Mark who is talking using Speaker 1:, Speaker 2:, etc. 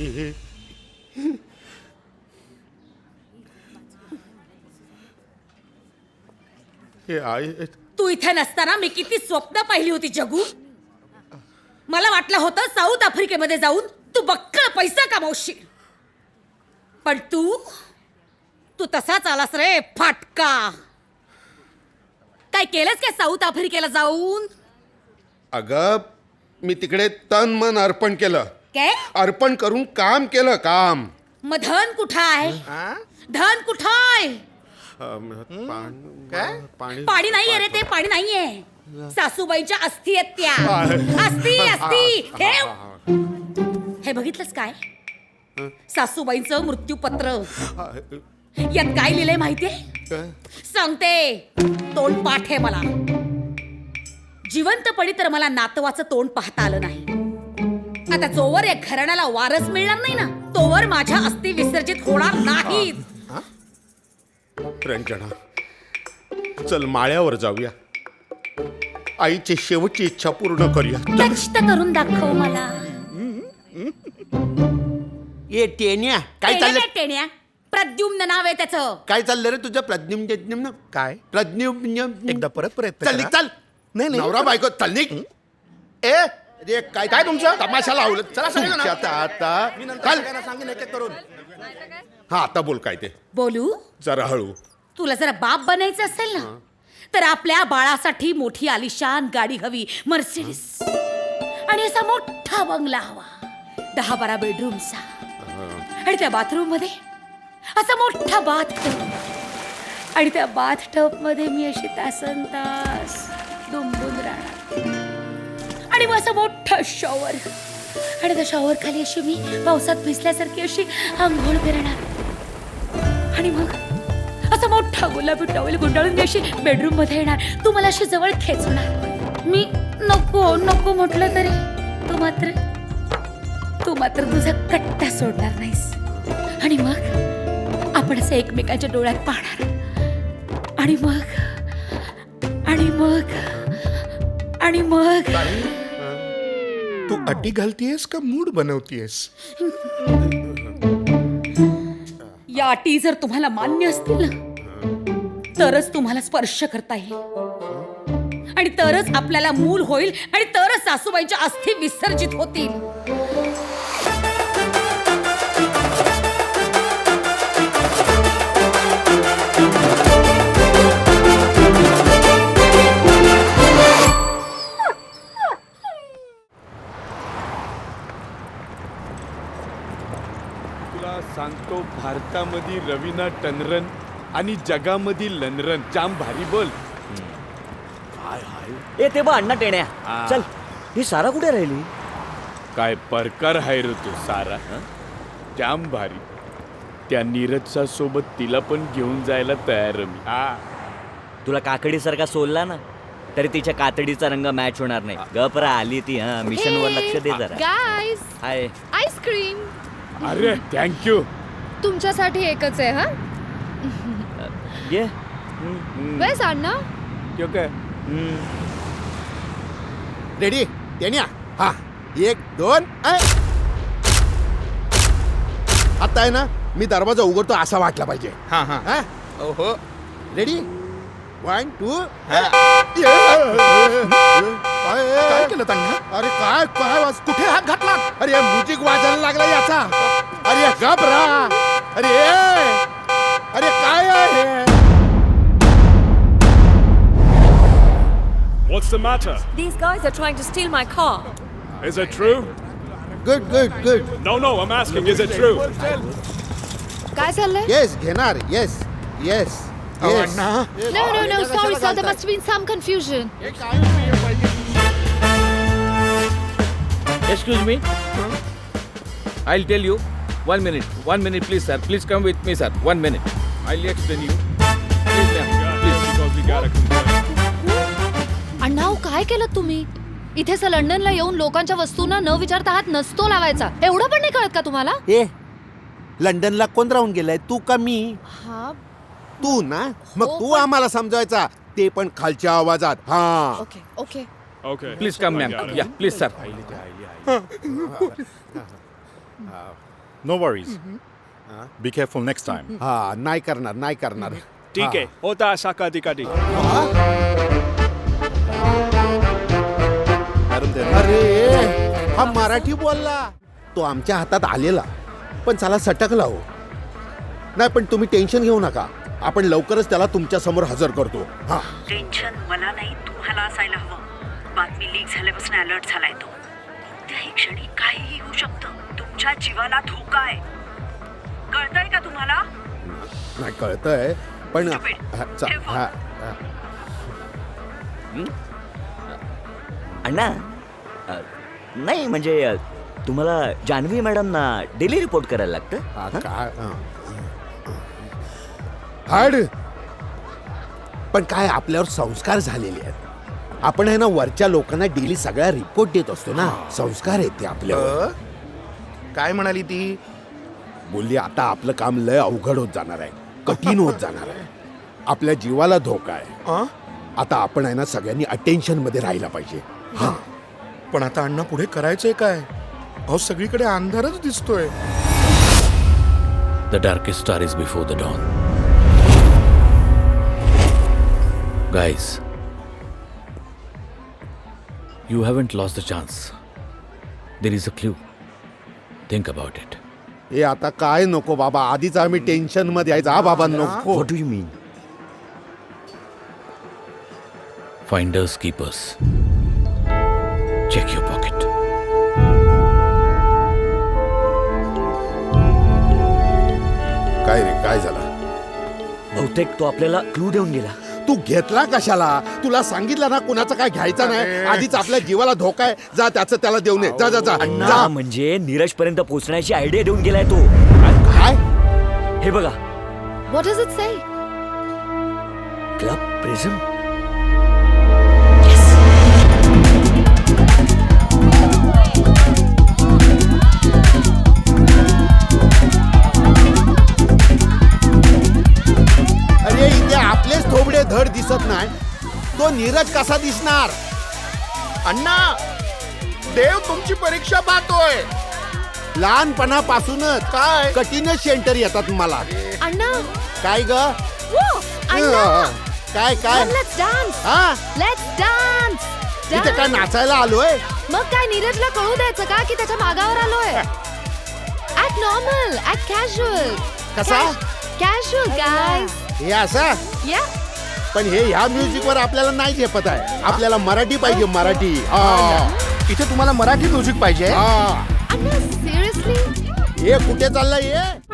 Speaker 1: तू इथे नसताना मी किती स्वप्न पाहिली होती जगू. मला वाटलं होतं साऊथ आफ्रिकेमध्ये जाऊन तू बक्कळ पैसा कमावशील, पण तू तसाच आलास रे फाटका. काय केलंस काय साऊथ आफ्रिकेला जाऊन?
Speaker 2: अगं मी तिकडे तन मन अर्पण केलं.
Speaker 1: काय
Speaker 2: अर्पण करून काम केलं काम.
Speaker 1: मग धन कुठं आहे? धन कुठं आहे? पाणी नाहीये रे, ते पाणी नाहीये. सासूबाईंच्या अस्थी आहेत त्या. अस्थी अस्थी हे बघितलंस काय? सासूबाईंचं मृत्यूपत्र. यात काय लिहिलंय माहितीये? सांगते. तोंड पाठ आहे मला. जिवंतपणी तर मला नातवाचं तोंड पाहता आलं नाही. आता जोवर या घराण्याला वारस मिळणार नाही ना, तोवर माझ्या अस्थी विसर्जित होणार नाहीत.
Speaker 2: रंजना, चल माळ्यावर जाऊया. आईची शेवटची इच्छा पूर्ण करूया.
Speaker 1: कष्ट करून दाखव मला.
Speaker 3: ये टेन्या काय चाललंय?
Speaker 1: टेण्या प्रद्युम्न नाव आहे त्याचं.
Speaker 3: काय चाललं रे तुझं? प्रद्युम्न
Speaker 4: काय?
Speaker 3: प्रद्युम्न
Speaker 4: एकदा परत प्रयत्न
Speaker 3: चल
Speaker 4: करा.
Speaker 3: चल.
Speaker 4: नाही
Speaker 3: नवरा बायको चल निघ. ए अरे काय तुमचं तमाशा लावलं? चला सगळं
Speaker 2: आता
Speaker 3: सांगेन एक एक करून.
Speaker 2: हा आता बोल काय ते.
Speaker 1: बोलू?
Speaker 2: जरा हळू.
Speaker 1: तुला जरा बाप बनायचं असेल ना, तर आपल्या बाळासाठी मोठी आलिशान गाडी हवी, मर्सिडीज. आणि असा मोठा बंगला हवा, 10-12 बेडरूमचा. आणि त्या बाथरूम मध्ये असा मोठा बाथटब. आणि त्या बाथटब मध्ये मी अशी तासनतास दुंबून राहणार. आणि मग असं मोठा शॉवर. आणि त्या शॉवर खाली अशी मी पावसात भिजल्यासारखी अशी आंघोळ करणार. आणि मग असा मोठा गुलाबी टॉवेल गुंडाळून मी अशी बेडरूम मध्ये येणार. तू मला अशी जवळ खेचणार. मी नको नको म्हटलं तरी तू मात्र तुझा कट्टा सोडणार नाहीस. आणि मग आपण असं एकमेकांच्या डोळ्यात पाहणार. आणि मग
Speaker 4: तू अटी घालतीयस का मूड बनवतीयस?
Speaker 1: या अटी जर तुम्हाला मान्य असतील ना, तरच तुम्हाला स्पर्श करता येईल. आणि तरच आपल्याला मूल होईल. आणि तरच सासूबाईंच्या अस्थी विसर्जित होतील.
Speaker 5: तुला सांगतो, भारतामध्ये रवीना टनरन आणि जगामध्ये लनरन जाम भारी बोल.
Speaker 6: ए ते बा अण्णा टेण्या. चल, ही सारा कुठे राहिली?
Speaker 5: काय परकार हाय रे तू सारा. जाम भारी. त्या नीरजच्या सोबत तिला पण घेऊन जायला तयार मी.
Speaker 6: तुला काकडीसारखा सोलला ना, तरी तिच्या कातडीचा रंग मॅच होणार नाही. गपरा आली ती. मिशन वर लक्ष दे जरा.
Speaker 7: Guys,
Speaker 6: hi.
Speaker 7: आईस्क्रीम
Speaker 5: अरे थँक्यू.
Speaker 7: तुमच्यासाठी एकच आहे. हा
Speaker 6: ये.
Speaker 7: बस अण्णा.
Speaker 5: क्यों काय?
Speaker 3: रेडी टेन्या? हा 1 2. आता आहे ना, मी दरवाजा उघडतो असा वाटला पाहिजे.
Speaker 4: हा हा.
Speaker 3: हा
Speaker 4: ओहो.
Speaker 3: रेडी 1 2.
Speaker 4: काय केलं त्यांना?
Speaker 3: अरे काय काय कुठे हात घातला? अरे म्युझिक वाजायला लागला याचा. अरे घबरा. अरे काय आहे?
Speaker 5: What's the matter?
Speaker 8: These guys are trying to steal my car.
Speaker 5: Is it true?
Speaker 3: Good.
Speaker 5: No, I'm asking, is it true?
Speaker 7: काय चाललंय?
Speaker 3: येस घेणार. Yes.
Speaker 4: Anna.
Speaker 7: No. Sorry, sir. There must have been some confusion.
Speaker 9: Excuse me. I'll tell you. 1 minute, please, sir. Please come with me, sir. 1 minute. I'll explain you. Please, ma'am. Please.
Speaker 5: Because we gotta confirm.
Speaker 7: Anna, काय केलं तुम्ही? इथे लंडनला येऊन लोकांच्या वस्तूंना न विचारता हात नसतो लावायचा. एवढं पण नाही कळत का तुम्हाला?
Speaker 3: ए लंडनला कोण राहून गेलाय, तू का मी?
Speaker 7: हा.
Speaker 3: तू ना. मग तू आम्हाला समजायचा, ते पण खालच्या आवाजात. हा
Speaker 7: okay.
Speaker 5: Okay.
Speaker 9: Please come, ma'am. Yeah, please, sir.
Speaker 10: No worries be careful next time.
Speaker 2: हा नाही करणार नाही करणार.
Speaker 5: ठीक आहे होता असा कधी कधी.
Speaker 2: अरे हा मराठी बोलला, तो आमच्या हातात आलेला पण चला सटकला हो. नाही पण तुम्ही टेन्शन घेऊ नका, आपण लवकरच त्याला तुमच्या समोर हजर करतो. हा
Speaker 11: टेन्शन मला नाही, तुम्हाला असायला हवं. बातमी लीक झाल्यापासून अलर्ट झालाय तो. कोणत्याही क्षणी काहीही होऊ शकतं. तुमच्या जीवाला धोका आहे, कळतंय का तुम्हाला?
Speaker 2: नाही कळतंय पण
Speaker 6: अण्णा नाही म्हणजे तुम्हाला जान्हवी मॅडमना डेली रिपोर्ट करायला लागतं.
Speaker 2: हाड पण काय आपल्यावर संस्कार झालेले आहेत. आपण आहे ना वरच्या लोकांना डेली सगळ्या रिपोर्ट देत असतो ना, संस्कार आहेत ते आपल्यावर.
Speaker 4: काय म्हणाली ती?
Speaker 2: बोलली आता आपलं काम लय अवघड होत जाणार आहे, कठीण होत जाणार आहे, आपल्या जीवाला धोका आहे. आता आपण आहे ना सगळ्यांनी अटेन्शन मध्ये राहायला पाहिजे. हा
Speaker 4: पण आता अण्णा पुढे करायचंय काय? अहो सगळीकडे अंधारच दिसतोय.
Speaker 5: The darkest star is before the dawn. Guys, you haven't lost the chance. There is a clue. Think about it.
Speaker 2: हे आता काय नको बाबा, आधीच आम्ही टेन्शन मध्ये आहे. जा बाबा नको.
Speaker 6: What do you mean?
Speaker 5: Finders keepers. Check your pocket.
Speaker 2: काय रे काय झालं?
Speaker 6: बहुतेक तो आपल्याला क्लू देऊन गेला.
Speaker 2: तू घेतला कशाला? तुला सांगितलं ना कुणाचं काय घ्यायचं नाही. आधीच आपल्या जीवाला धोका आहे. जा त्याचं त्याला देऊन ये. जा जा जा
Speaker 6: अण्णा म्हणजे नीरज पर्यंत पोहोचण्याची आयडिया देऊन गेलाय तो.
Speaker 2: काय?
Speaker 6: हे बघा,
Speaker 7: what does it say?
Speaker 6: Club prism.
Speaker 2: अरे इथे आपलेच थोबडे धड दिसत नाही, तो नीरज कसा दिसणार?
Speaker 4: अण्णा देव तुमची परीक्षा पाहतोय.
Speaker 2: लहानपणापासूनच
Speaker 4: काय
Speaker 2: कठीणच सेंटर येतात मला.
Speaker 7: अण्णा
Speaker 2: काय ग?
Speaker 7: अण्णा
Speaker 2: काय काय?
Speaker 7: Let's dance.
Speaker 2: हा
Speaker 7: लेट्स डान्स.
Speaker 2: इथे काय नाचायला आलोय?
Speaker 7: मग काय नीरजला कळू द्यायचं का की त्याच्या मागावर आलोय? Act normal, act casual.
Speaker 2: कसा?
Speaker 7: Casual guys.
Speaker 2: हे असं
Speaker 7: या
Speaker 2: पण हे ह्या म्युझिक वर आपल्याला नाही झेपत आहे. आपल्याला मराठी पाहिजे, मराठी.
Speaker 4: इथे तुम्हाला मराठी म्युझिक पाहिजे?
Speaker 2: हा
Speaker 7: अण्णा सिरियसली
Speaker 2: हे कुठे चाललंय हे?